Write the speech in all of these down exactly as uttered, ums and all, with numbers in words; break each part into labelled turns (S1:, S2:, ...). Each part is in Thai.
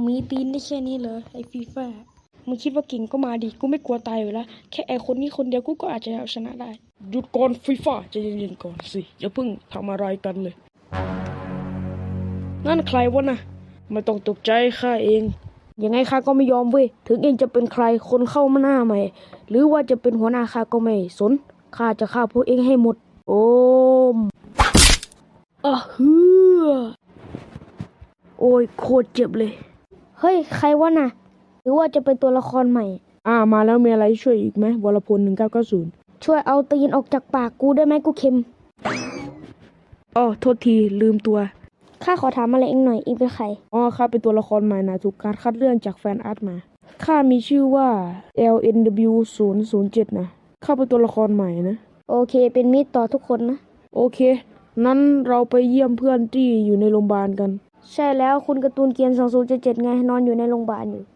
S1: มีตีนได้แค่นี้เหรอไอ้ฟีฟ่ามึงคิดว่าเก่งก็มาดิกูไม่กลัวตายอยู่แล้วแค่ไอ้คนนี้คนเดียวกูก็อาจจะเอาชนะได้หยุดก่อนฟีฟ่าใจเย็นๆก่อนสิอย่าเพิ่งทำอะไรกันเลยนั่นใครวะนะไม่ต้องตกใจข้าเองยังไงข้าก็ไม่ยอมเว้ยถึงเองจะเป็นใครคนเข้ามาหน้าใหม่หรือว่าจะเป็นหัวหน้าข้าก็ไม่สนข้าจะฆ่าพวกเองให้หมดโอมอ่ะฮือโอ้ยโคตรเจ็บเลยเฮ้ยใครวะน่ะหรือว่าจะเป็นตัวละครใหม่อ่ามาแล้วมีอะไรช่วยอีกไหมวรพลหนึ่งเก้าเก้าศูนย์ช่วยเอาตีนออกจากปากกูได้ไหมกูเค็มอ๋อโทษทีลืมตัวข้าขอถามอะไรเองหน่อยเองเป็นใครอ๋อข้าเป็นตัวละครใหม่นะถูกการคัดเลือกจากแฟนอาร์ตมาข้ามีชื่อว่า แอล เอ็น ดับเบิลยู ศูนย์ ศูนย์ เจ็ด นะข้าเป็นตัวละครใหม่นะโอเคเป็นมิตรต่อทุกคนนะโอเคนั้นเราไปเยี่ยมเพื่อนที่อยู่ในโรงพยาบาลกันใช่แล้วคุณการ์ตูนเกียร์สองศูนย์เจ็ดเจ็ดไงนอนอยู่ในโรงพยาบาลอยู่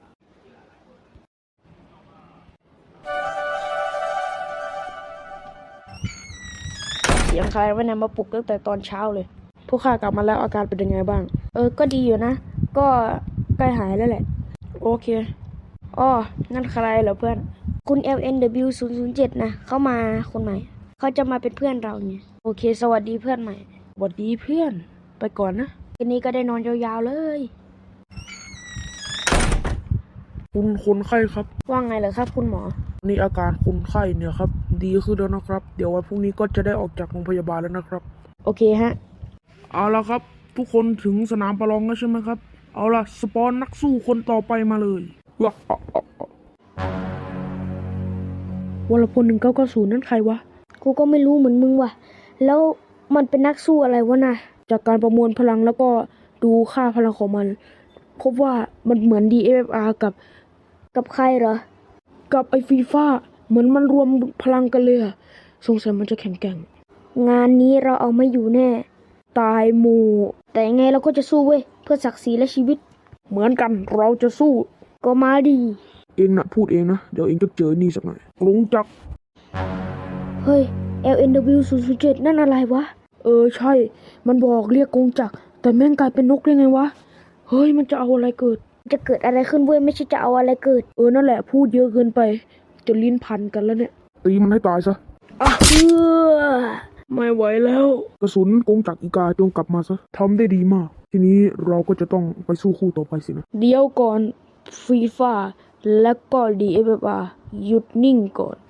S1: เสียงใครวะเนี่ยมาปลุกตั้งแต่ตอนเช้าเลยพวกข้ากลับมาแล้วอาการเป็นยังไงบ้างเออก็ดีอยู่นะก็ใกล้หายแล้วแหละโอเคอ๋อนั่นใครเหรอเพื่อนคุณ แอล เอ็น ดับเบิลยู ศูนย์ ศูนย์ เจ็ด นะเขามาคนใหม่เขาจะมาเป็นเพื่อนเราเนี่ยโอเคสวัสดีเพื่อนใหม่สวัสดีเพื่อนไปก่อนนะคืนนี้ก็ได้นอนยาวๆเลย
S2: คุณคนไข้ครับ
S1: ว่าไงเหรอครับคุณหมอ
S2: นี่อาการคนไข้เนี่ยครับดีขึ้นแล้วนะครับเดี๋ยววันพรุ่งนี้ก็จะได้ออกจากโรงพยาบาลแล้วนะครับ
S1: โอเคฮะ
S2: เอาละครับทุกคนถึงสนามประลองแล้วใช่ไหมครับเอาละสปอนนักสู้คนต่อไปมาเลยวะ
S1: วรพลหนึ่งเก้าเก้าศูนย์นั่นใครวะกูก็ไม่รู้เหมือนมึงว่ะแล้วมันเป็นนักสู้อะไรวะนะจากการประมวลพลังแล้วก็ดูค่าพลังของมันพบว่ามันเหมือน ดี เอฟ เอฟ อาร์ กับกับใครเหรอ
S2: กับไอ้ฟีฟ่าเหมือนมันรวมพลังกันเลยอะสงสัยมันจะแข็งแกร่ง
S1: งานนี้เราเอาไม่อยู่แน่
S2: ตายหมู่
S1: แต่ยังไงเราก็จะสู้เว้ยเพื่อศักดิ์ศรีและชีวิต
S2: เหมือนกันเราจะสู้
S1: ก็มาดี
S2: เองนะพูดเองนะเดี๋ยวเองจะเจอนี่สักหน่อยลุงจัก
S1: เฮ้ย แอล เอ็น ดับเบิลยู ศูนย์ ศูนย์ เจ็ด นั่นอะไรวะ
S2: เออใช่มันบอกเรียกกงจักรแต่แม่งกลายเป็นนกได้ไงวะเฮ้ยมันจะเอาอะไรเกิด
S1: จะเกิดอะไรขึ้นเว้ยไม่ใช่จะเอาอะไรเกิด
S2: เออนั่นแหละพูดเยอะเกินไปจะลิ้นพันกันแล้วเนี่ยตีมันให้ตายซะ
S1: อ่ะเออ
S2: ไม่ไหวแล้วกระสุนกงจักรอีกาจงกลับมาซะทำได้ดีมากทีนี้เราก็จะต้องไปสู้คู่ต่อไปสินะ
S1: เดี๋ยวก่อนฟีฟ่าและก็ ดี เอฟ เอฟ อาร์ หยุดนิ่งก่อน